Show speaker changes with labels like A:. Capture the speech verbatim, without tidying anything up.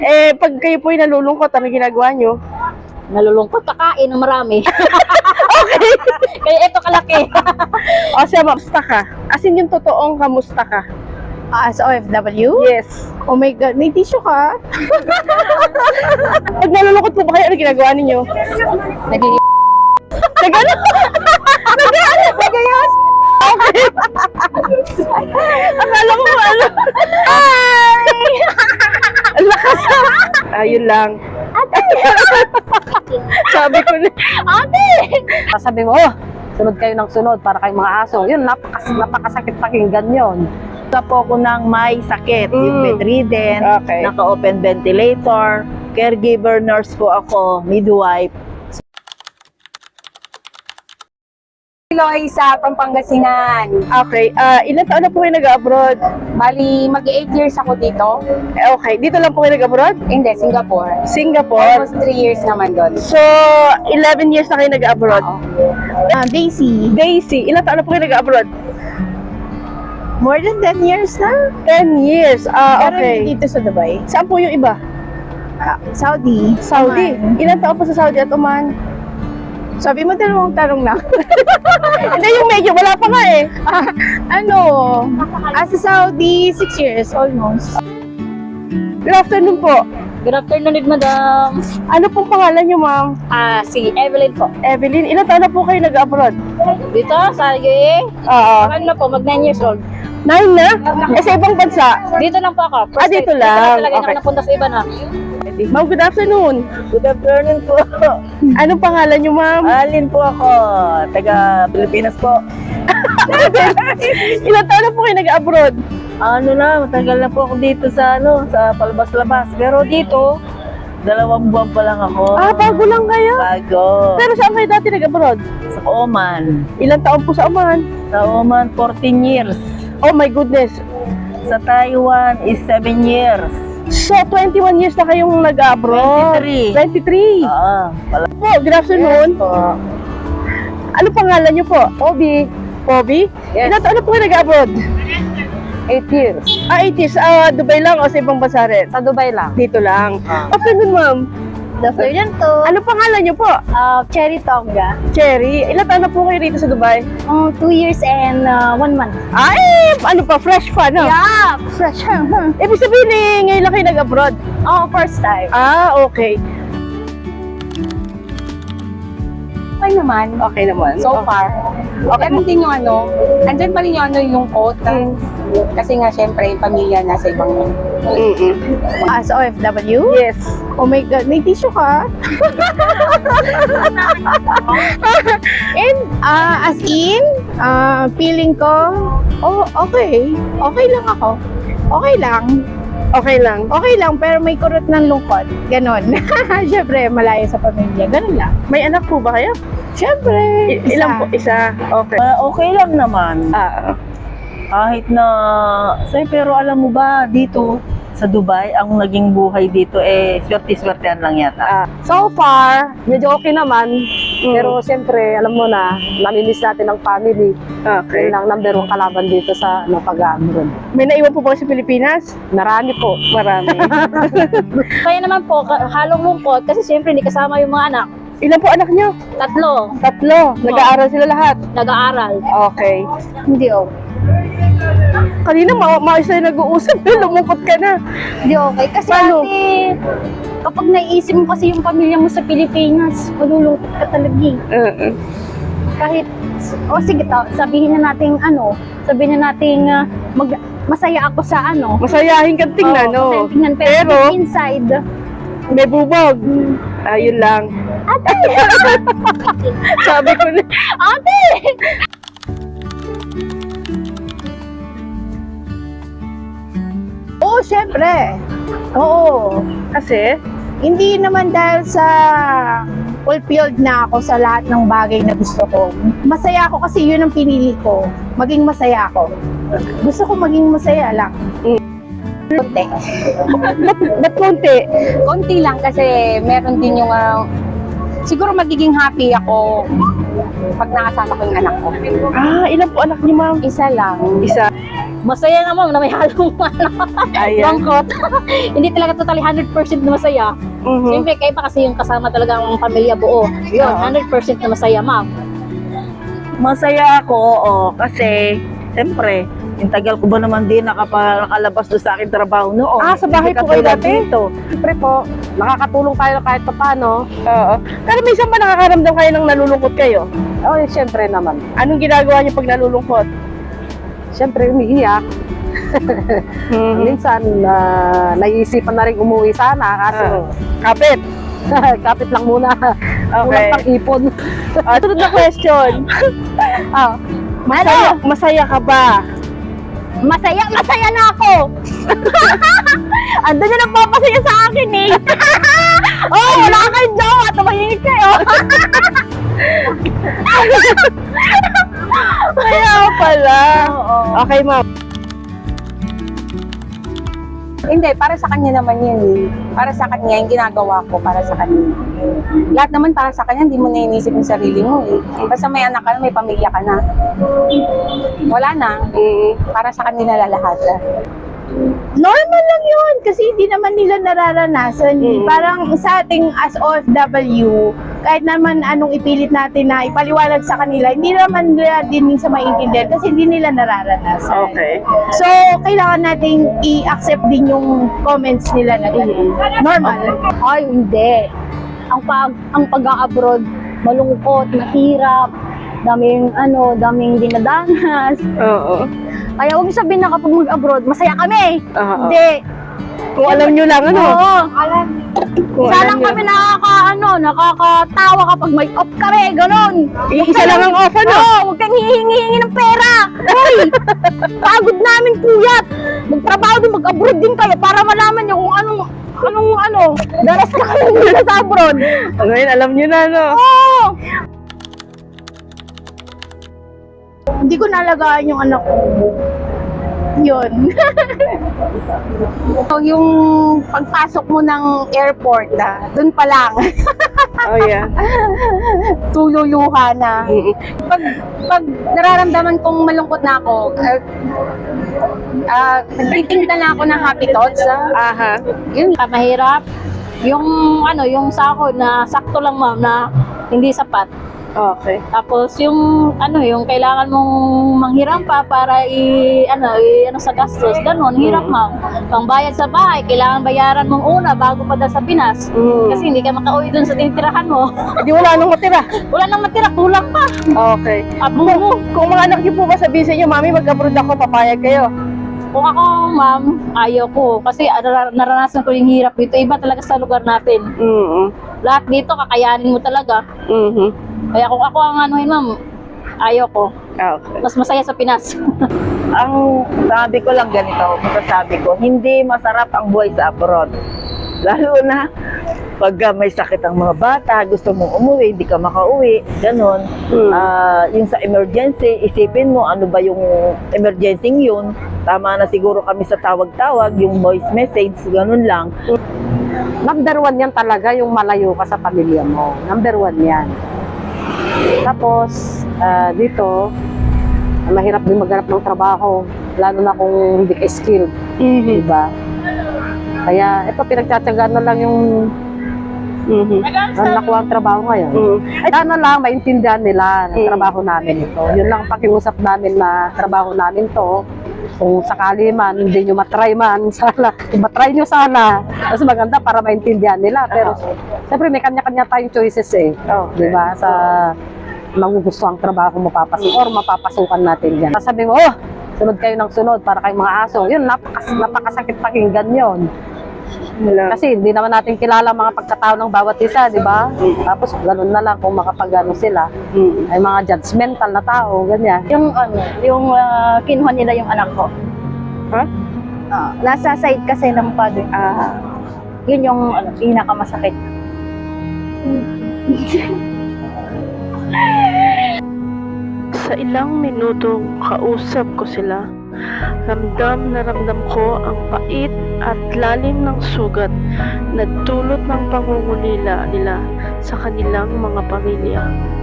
A: Eh, pag kayo po'y nalulungkot, ano ginagawa nyo?
B: Nalulungkot, kakain ng marami.
A: Okay.
B: Kaya ito kalaki.
A: O siya, kamusta ka? As in yung totoong kamusta ka?
C: As O F W?
A: Yes.
C: Oh my God, may tissue ka?
A: Pag nalulungkot po ba kayo, ano ginagawa ninyo?
B: Naging
A: Nagano? Nagano? Nagayos? Okay. Akala ko ano? Ay! Ang lakas. Ayun lang. Sabi ko na.
B: ate! Sabi mo, oh, sunod kayo ng sunod para kayong mga aso. Yun, napakas napakasakit pakinggan yun.
D: Wala po ako ng may sakit, yung
A: Mm.
D: bedridden,
A: Okay.
D: naka-open ventilator, caregiver nurse po ako, midwife.
E: Loy sa Pampangasinan.
A: Okay. Ah, ilan taon na po kayo nag-abroad?
E: Bali, mag-eight years ako dito.
A: Eh, okay. Dito lang po kayo nag-abroad?
E: Hindi, Singapore.
A: Singapore.
E: Almost three years naman doon.
A: So, eleven years na kayo nag-abroad.
C: Ah, Daisy.
A: Daisy, ilan taon na po kayo nag-abroad?
C: More than ten years na.
A: ten years. Ah,
C: Pero
A: okay.
C: dito sa Dubai.
A: Saan po yung iba?
C: Ah, Saudi.
A: Saudi.
C: Oman.
A: Ilan taon po sa Saudi at Oman?
C: Sabi mo dalawang tarong lang.
A: Hindi, yung medyo wala pa nga eh.
C: Ah, ano? As sa Saudi, six years almost.
A: Good afternoon po.
B: Good afternoon, madam.
A: Ano pong pangalan niyo, ma'am?
B: Ah, si Evelyn po.
A: Evelyn, ilan taon na po kayo nag-abroad?
B: Dito, sa U A E,
A: Oo.
B: ano na po, mag nine years old.
A: Nine na? Eh, sa ibang bansa?
B: Dito lang po ako.
A: Ah, dito
B: time.
A: lang.
B: Dito lang talaga
A: Okay.
B: okay. napunta sa iba na.
A: Ma'am, good afternoon.
D: Good afternoon po.
A: Anong pangalan niyo, ma'am?
D: Alin po ako, taga Pilipinas po.
A: Ilan taon na po kayo nag-abroad?
D: Ano na, matagal na po ako dito sa ano, sa palabas-labas. Pero dito, dalawang buwan pa lang ako.
A: Ah, bago lang kayo.
D: Bago.
A: Pero saan kayo dati nag-abroad?
D: Sa Oman.
A: Ilan taon po sa Oman?
D: Sa Oman, fourteen years.
A: Oh my goodness.
D: Sa Taiwan is seven years.
A: So, twenty-one years na kayong nag-abroad?
D: twenty-three.
A: twenty-three.
D: Ah, pala.
A: Po, good afternoon.
D: po.
A: Ano pangalan niyo po? Pobi. Pobi?
B: Yes.
A: Ilan taon na po kayo nag-abroad?
B: eight years.
A: Ah, eight years. Ah, Dubai lang o sa ibang bansa rin?
B: Sa Dubai lang.
A: Dito lang.
D: Ah.
A: Afternoon, ma'am.
C: Good afternoon to.
A: Ano pangalan niyo po?
C: Uh, Cherry Tonga.
A: Cherry. Ilan taon na po kayo dito sa Dubai?
C: Um, two years and uh, one month.
A: Ay, ano pa? Fresh pa, no?
C: Yeah, fresh.
A: Ibig sabihin eh, ngayon lang kayo nag-abroad.
C: Oh, first time.
A: Ah, okay.
E: Okay naman.
A: Okay naman.
E: So far. Okay. Meron din yung ano, andyan pa rin yung ano, yung quota. Kasi nga, syempre, yung pamilya nasa ibang
A: Mm-mm.
C: As O F W?
A: Yes.
C: Oh my God, may tissue ka? And ah, as in, ah, feeling ko, oh, okay. Okay lang ako. Okay lang.
A: Okay lang.
C: Okay lang, pero may kurot ng lungkot. Ganon. Siyempre, malayo sa pamilya. Ganon lang.
A: May anak po ba kayo?
C: Siyempre.
A: I- ilan po? Isa. Okay.
D: Ah, okay lang naman.
A: Ah,
D: Kahit na, say, pero alam mo ba, dito sa Dubai, ang naging buhay dito eh, swerte-swertean lang yata.
A: ah.
B: So far, medyo okay naman.
A: Mm.
B: Pero siyempre, alam mo na, namimiss natin ang family.
A: Okay.
B: Yun ang number one kalaban dito sa ano, pag-abroad.
A: May naiwan po ba kayo sa Pilipinas?
B: Marami po.
A: Marami.
B: Kaya naman po, ka- halong lungkot kasi siyempre hindi kasama yung mga anak.
A: Ilan po anak niyo?
B: Tatlo,
A: Tatlo. Nag-aaral sila lahat.
B: nag-aaral.
A: Okay.
C: Hindi okay.
A: Kanina ma maayos tayo nag-uusap. Lumungkot ka na.
C: Hindi okay. Kasi
A: Paano?
C: ate, kapag naiisip mo kasi yung pamilya mo sa Pilipinas, malulungkot ka talaga eh.
A: Uh-uh.
C: Kahit, o sige, ta- sabihin na natin ano, sabihin na natin ah, mag, masaya ako sa ano.
A: Masayahin kang tingnan,
C: Oo,
A: no?
C: masaya tingnan, pero,
A: Pero,
C: deep inside,
A: may bubog. Ayun lang.
C: ate!
A: Sabi ko na.
C: ate! Oo, syempre. Oo.
A: Kasi,
C: Hindi naman dahil sa fulfilled na ako sa lahat ng bagay na gusto ko. Masaya ako kasi yun ang pinili ko. Maging masaya ako. Gusto ko maging masaya lang. Konti.
A: ba't, ba't konti?
E: konti lang kasi meron din yung ah, siguro magiging happy ako pag nakasama ko yung anak ko.
A: Ah, ilan po anak niyo, ma'am?
E: Isa lang.
A: Isa.
F: Masaya naman na may halong ano,
A: Ayan.
F: bangkot. Hindi talaga totally one hundred percent na masaya.
A: Mhm.
F: Siyempre, kayo pa kasi yung kasama talaga ang pamilya buo. Yun,
A: Oo.
F: one hundred percent na masaya, ma'am.
D: Masaya ako, oo, kasi, siyempre, yung tagal ko ba naman din nakapa, nakalabas doon sa aking trabaho noon.
A: Ah, sa bahay
D: Hindi
A: po kayo
D: katulad
A: dati?
D: dito.
B: Siyempre po, nakakatulong tayo kahit pa paano.
A: Oo. Pero minsan ba nakakaramdam kayo ng nalulungkot kayo?
B: Oh, siyempre naman.
A: Anong ginagawa niyo pag nalulungkot?
B: Siyempre, umiiyak.
A: Mhm.
B: Minsan, uh, naiisipan na rin umuwi sana. Kaso,
A: Kapit.
B: kapit lang muna. Kulang
A: Okay.
B: pang ipon.
A: Ah, sunod na question.
B: Ah,
A: Masaya, masaya ka ba?
F: Masaya, masaya na ako! Ando na nagpapasaya sa akin eh! Oh, wala kayong jowa! Tumahingit kayo!
A: Kaya pala. Okay, ma'am.
E: Hindi, para sa kanya naman yun eh. Para sa kanya, yung ginagawa ko para sa kanya. Lahat naman para sa kanya, hindi mo na inisip yung sarili mo eh. Basta may anak ka na, may pamilya ka na. Wala na. Para sa kanila lahat.
C: Normal lang yun kasi hindi naman nila nararanasan. eh. Parang sa ating as O F W, kahit naman anong ipilit natin na ipaliwanag sa kanila, hindi naman nila din minsan maintindihan kasi hindi nila nararanasan.
A: Okay.
C: So, kailangan nating i-accept din yung comments nila na gano'n. Normal.
F: Ay, hindi. Ang pag ang pag-abroad, malungkot, mahirap, daming ano, daming dinadanas.
A: Oo.
F: Kaya huwag sabihin na kapag mag-abroad, masaya kami.
A: Oo.
F: Hindi.
A: Kung alam nyo lang, ano?
F: Oo.
A: Kung
F: Isa
A: alam
F: lang
A: nyo.
F: kami nakaka, ano, nakakatawa kapag may off kami, ganon.
A: Isa lang ang off, ano?
F: Oo, huwag kang hihingi-hingi ng pera. Hoy, pagod namin puyat. Magtrabaho din, mag-abroad din kayo para malaman nyo kung anong, anong, ano, daras na kami nila sa abroad.
A: Ngayon, alam nyo na, no?
F: Oo.
C: Hindi ko nalagaan yung anak ko. Yun.
E: So, yung pagpasok mo ng airport, ah, dun pa lang,
A: Oh, yeah.
E: tululuha na. Pag, pag nararamdaman kong malungkot na ako, uh, uh, nagtitinda na ako ng happy thoughts. Ah.
A: Aha.
F: Yun, mahirap. Yung, ano, yung sahod na sakto lang, ma'am, na hindi sapat.
A: Okay.
F: Tapos yung ano yung kailangan mong manghiram pa para i ano i ano sa gastos ganun hirap ma'am. Pangbayad sa bahay kailangan bayaran mong una bago pa daw sa Pinas.
A: Mm.
F: Kasi hindi ka makauwi dun sa tinitirahan mo.
A: Hindi wala nang matira.
F: Wala nang matira, kulang pa.
A: Okay.
F: Abo mo.
A: Kung mga anak niyo po ba sabihin sa inyo, Mami, mag-abroad ako, papayag kayo.
F: Kung ako, ma'am, ayaw ko. Kasi nar- naranasan ko yung hirap dito. Iba talaga sa lugar natin.
A: Mm.
F: Lahat dito, kakayanin mo talaga.
A: Mhm.
F: Kaya kung ako ang anuhin, ma'am, ayaw ko.
A: Okay.
F: Mas masaya sa Pinas.
D: Ang sabi ko lang ganito, masasabi ko, hindi masarap ang buhay sa abroad. Lalo na pag uh, may sakit ang mga bata, gusto mong umuwi, hindi ka makauwi, ganun.
A: Hmm.
D: Ah, yung sa emergency, isipin mo ano ba yung emergency yun. Tama na siguro kami sa tawag-tawag, yung voice message, ganun lang.
B: number one yan talaga, yung malayo ka sa pamilya mo. Number one yan. Tapos, ah, dito, mahirap din maghanap ng trabaho. Lalo na kung hindi ka skilled.
A: Mhm.
B: Diba? Kaya, ito, pinagtsatsagaan na lang yung
A: Mhm.
B: ano, nakuha ang trabaho ngayon.
A: Mhm.
B: Ay, sana lang, maintindihan nila na
A: Mm.
B: trabaho namin ito. Yun lang ang pakiusap namin na trabaho namin to. Kung sakali man, hindi nyo matry man, sana, kung matry nyo sana, mas maganda para maintindihan nila. Pero, siyempre, may kanya-kanya tayong choices eh.
A: Okay.
B: Di ba? Sa magugustuhang trabaho mapapasok or mapapasukan natin yan. Sabi mo, oh, sunod kayo ng sunod para kayong mga aso. Yun, napakas, napakasakit pakinggan yun.
A: Wala.
B: Kasi hindi naman natin kilala mga pagkatao ng bawat isa, di ba? Tapos ganun na lang kung makapag-ano sila.
A: Mhm.
B: Ay mga judgmental na tao, ganyan.
F: Yung ano, yung uh, kinuha nila yung anak ko.
A: Ha?
F: Ah, nasa side kasi ng father.
A: Ah.
F: Yun yung ano, pinakamasakit.
G: Sa ilang minutong kausap ko sila, ramdam na ramdam ko ang pait at lalim ng sugat na dulot ng pangungulila nila sa kanilang mga pamilya.